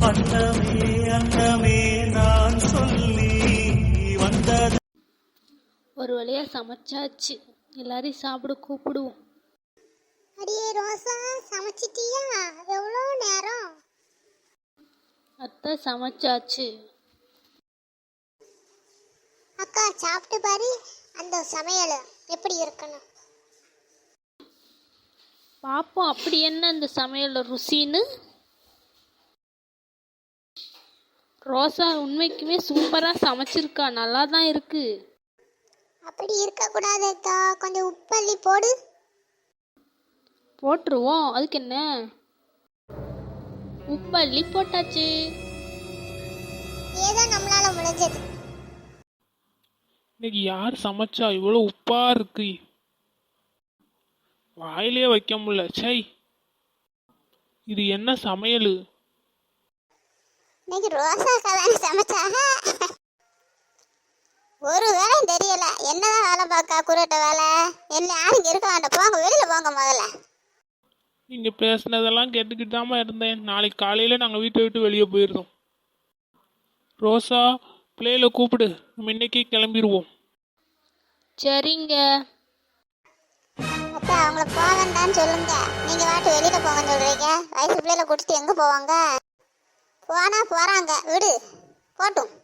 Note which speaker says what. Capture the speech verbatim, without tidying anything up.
Speaker 1: அன்னமே அன்னமே நான் சொல்லி வந்தது.
Speaker 2: ஒரு வழியா சமைச்சாச்சு, எல்லாரையும் சாப்பிட கூப்பிடுவோம்.
Speaker 3: அடியே ரோசா, சமைச்சிட்டியா? எவ்வளோ நேரம்?
Speaker 2: அத்தை சமைச்சாச்சு.
Speaker 3: அக்கா சாப்பிட்டு பாரு அந்த சமையல் எப்படி இருக்கணும்.
Speaker 2: பாப்போம் அப்படி என்ன அந்த சமையல் ருசின்னு. ரோசா உண்மைக்குமே சூப்பரா சமைச்சிருக்கா, நல்லா தான் இருக்கு.
Speaker 3: அப்படி இருக்கக்கூடாது அக்கா, கொஞ்சம் உப்பள்ளி போடு.
Speaker 2: போட்டுருவோம், அதுக்கு என்ன. உப்பள்ளி போட்டாச்சு.
Speaker 3: ஏதோ நம்மளால முடிஞ்சது.
Speaker 4: இன்னைக்கு யார் சமைச்சா இவ்வளோ உப்பா இருக்கு, வாயிலே வைக்க முடியல. சை, இது என்ன சமையல்?
Speaker 3: இன்னைக்கு ரோசா கல்யாணி சமைச்சாக. ஒரு வேலையும் தெரியல, என்னதான் வேலை பார்க்கா குருட்ட வேலை. என்ன யாரும் இருக்க வேண்டாம், போங்க வெளியில போங்க முதல்ல.
Speaker 4: நீங்கள் பேசுனதெல்லாம் கேட்டுக்கிட்டாம இருந்தேன். நாளைக்கு காலையில் நாங்கள் வீட்டை விட்டு வெளியே போயிடுறோம். ரோசா, பிள்ளையில கூப்பிடு, நம்ம இன்னைக்கே கிளம்பிடுவோம்.
Speaker 2: சரிங்க.
Speaker 3: அக்கா அவங்கள போக வேண்டாம்னு சொல்லுங்க. நீங்க வாட்டு வெளியில போங்கன்னு சொல்றீங்க. வயசு பிள்ளையில கூட்டிட்டு எங்க போவாங்க? போனா போறாங்க, விடு போட்டும்.